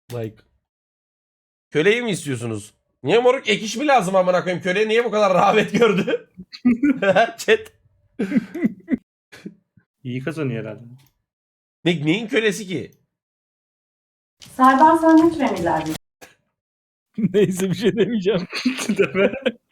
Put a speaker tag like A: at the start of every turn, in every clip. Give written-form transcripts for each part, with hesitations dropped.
A: Like. Köleyi mi istiyorsunuz? Niye moruk ek iş mi lazım amına koyayım? Köle niye bu kadar rağbet gördü? Chat.
B: İyi kazanıyor herhalde.
A: Neyin kölesi ki?
C: Serdar sen hiç emirler
D: Neyse bir şey demeyeceğim.
B: Deme.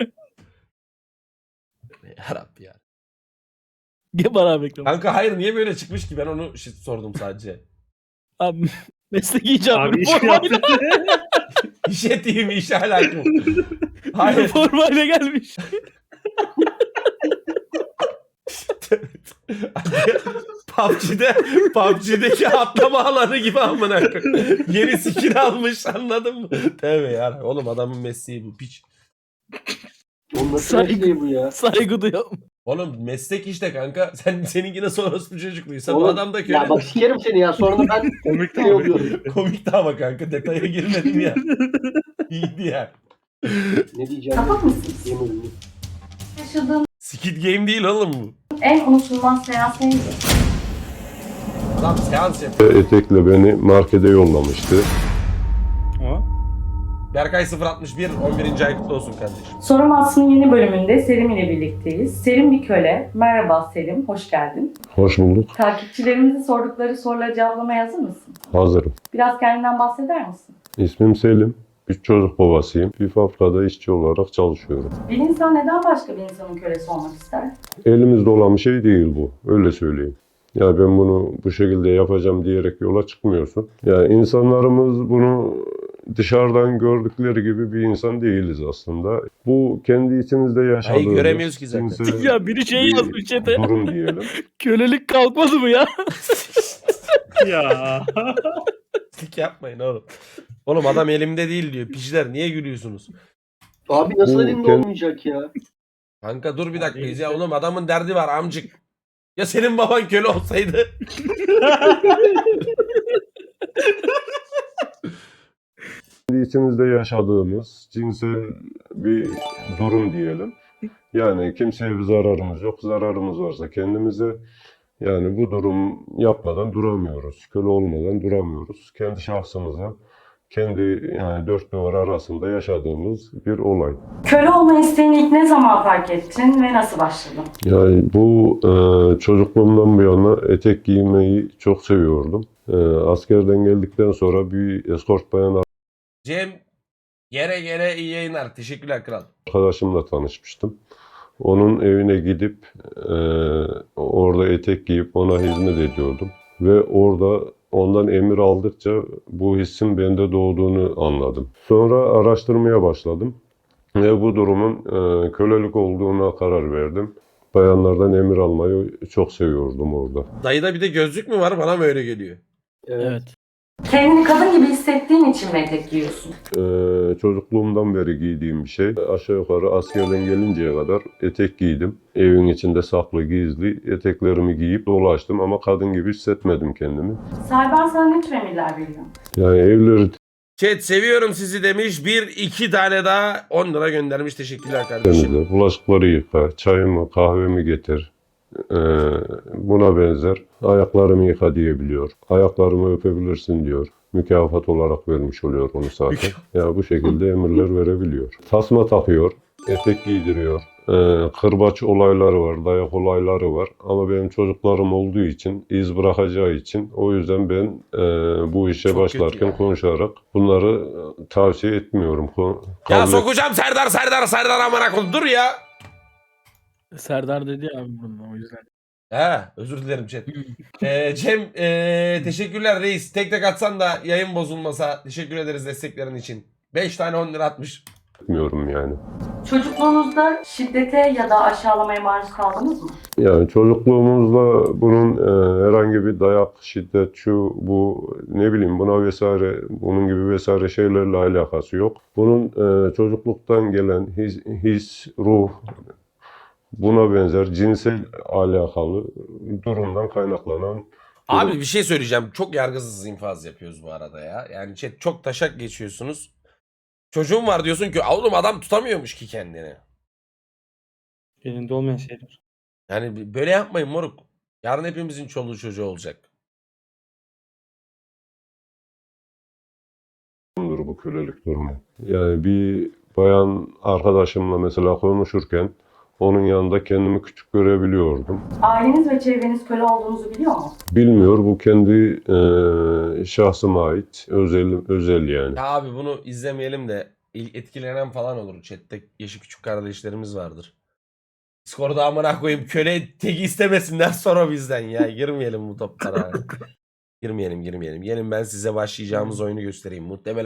A: Yarabbi ya.
D: Gel bana bekle.
A: Kanka hayır niye böyle çıkmış ki? Ben onu sordum sadece.
D: Abi meslek icabı
B: Abi iş
D: formayla,
A: İşe değil mi? İşe alakalı. Hayır.
D: formayla gelmiş.
A: PUBG'deki atlama alanı gibi amına koyayım. Yeni skin almış anladın mı? Tövbe ya. Oğlum adamın mesleği bu piç.
E: Oğlum nasıl
D: Saygı-
E: mesleği bu ya?
D: Saygı duyuyorum.
A: Oğlum meslek işte kanka. Seninki nasıl orospu çocukluysa bu
E: Oğlum,
A: adam da köle.
E: Ya bak sikerim seni ya. Sonra da ben
B: Komik
E: şey oluyorum.
A: Komikti ama kanka detaya girmedim ya. İyiydi ya.
E: Ne diyeceğim?
C: Sapık mısınız?
E: Yemin
C: Yaşadığın
A: Skid Game değil oğlum bu.
C: en unutulmaz seans neydi?
A: Adam seans yapıyor.
F: Etekle beni markete yollamıştı.
B: Ama
A: Berkay 061 11. ay kutlu olsun kardeşim.
C: Sorum Aslında yeni bölümünde Selim ile birlikteyiz. Selim bir köle. Merhaba Selim, hoş geldin.
F: Hoş bulduk.
C: Takipçilerimizin sordukları soruları cevaplamaya hazır mısın?
F: Hazırım.
C: Biraz kendinden bahseder misin?
F: İsmim Selim. 3 çocuk babasıyım. Bir fabrikada işçi olarak çalışıyorum.
C: Bir insan neden başka bir insanın kölesi olmak ister?
F: Elimizde olan bir şey değil bu. Öyle söyleyeyim. Ya ben bunu bu şekilde yapacağım diyerek yola çıkmıyorsun. Ya insanlarımız bunu dışarıdan gördükleri gibi bir insan değiliz aslında. Bu kendi içimizde yaşadığımız
A: göremiyoruz ki zaten.
F: cinsel
D: Ya biri şey
F: bir
D: yazmış chat'e.
F: durum diyelim.
D: Kölelik kalkmadı mı ya?
B: ya.
A: Tık yapmayın oğlum. Oğlum adam elimde değil diyor. Piçler niye gülüyorsunuz?
E: Abi nasıl
F: Bu
E: elimde
F: kend-
E: olmayacak ya?
A: Kanka dur bir dakika
B: neyse.
A: ya oğlum adamın derdi var amcık. Ya senin baban köle olsaydı?
F: Kendi içimizde yaşadığımız cinsel bir durum diyelim. Yani kimseye bir zararımız yok. Zararımız varsa kendimize, yani bu durum yapmadan duramıyoruz. Köle olmadan duramıyoruz. Kendi şahsımıza, kendi yani dört duvar arasında yaşadığımız bir olay.
C: Köle olma isteğini ilk ne zaman fark ettin ve nasıl başladın?
F: Yani bu çocukluğumdan bu yana etek giymeyi çok seviyordum. Askerden geldikten sonra bir eskort bayan
A: Cem gere iyi yayınlar. Teşekkürler kral.
F: arkadaşımla tanışmıştım. Onun evine gidip orada etek giyip ona hizmet ediyordum. Ve orada ondan emir aldıkça bu hissin bende doğduğunu anladım. Sonra araştırmaya başladım. Ve bu durumun kölelik olduğuna karar verdim. Bayanlardan emir almayı çok seviyordum orada.
A: Dayıda bir de gözlük mü var bana mı öyle geliyor?
D: Evet.
C: Kendini kadın gibi hissettiğin için mi etek giyiyorsun?
F: Çocukluğumdan beri giydiğim bir şey. Aşağı yukarı askerden gelinceye kadar etek giydim. Evin içinde saklı gizli eteklerimi giyip dolaştım ama kadın gibi hissetmedim kendimi.
C: Serdar sen ne tür emirler veriyorsun?
F: Yani evleri
A: Chat seviyorum sizi demiş. Bir iki tane daha 10 lira göndermiş. Teşekkürler kardeşim.
F: temizle, bulaşıkları yıka, çayımı kahvemi getir. Buna benzer ayaklarımı yıka diyebiliyor. Ayaklarımı öpebilirsin diyor. Mükafat olarak vermiş oluyor onu zaten. Ya bu şekilde emirler verebiliyor. Tasma takıyor, etek giydiriyor. Kırbaç olayları var, dayak olayları var. Ama benim çocuklarım olduğu için, iz bırakacağı için o yüzden ben bu işe
A: Çok kötü
F: başlarken
A: ya.
F: konuşarak bunları tavsiye etmiyorum.
A: Ya
F: Kabul
A: sokacağım Serdar amına koyayım. Dur ya.
D: Serdar dedi ya abi bunu o yüzden.
A: He özür dilerim chat. Cem teşekkürler reis. Tek tek atsan da yayın bozulmasa teşekkür ederiz desteklerin için. 5 tane 10 lira atmış.
F: etmiyorum yani.
C: Çocukluğunuzda şiddete ya da aşağılamaya maruz kaldınız mı?
F: Yani çocukluğumuzda bunun herhangi bir dayak, şiddet, şu, bu, ne bileyim buna vesaire, bunun gibi vesaire şeylerle alakası yok. Bunun çocukluktan gelen his, ruh, buna benzer cinsel alakalı durumdan kaynaklanan
A: Abi bir şey söyleyeceğim. Çok yargısız infaz yapıyoruz bu arada ya. Yani chat çok taşak geçiyorsunuz. Çocuğum var diyorsun ki oğlum adam tutamıyormuş ki kendini.
B: Elinde olmayan şeyler.
A: Yani böyle yapmayın moruk. Yarın hepimizin çoluğu çocuğu olacak.
F: bu kölelik durumu. Yani bir bayan arkadaşımla mesela konuşurken onun yanında kendimi küçük görebiliyordum.
C: Aileniz ve çevreniz köle olduğunuzu biliyor mu?
F: Bilmiyor, bu kendi şahsıma ait özel yani.
A: Ya abi bunu izlemeyelim de etkilenen falan olur. Chat'te yaşı küçük kardeşlerimiz vardır. Discord'a amına koyayım köle tek istemesinler sonra bizden ya. Girmeyelim bu toplara. Girmeyelim. Gelin ben size başlayacağımız oyunu göstereyim. Muhtemelen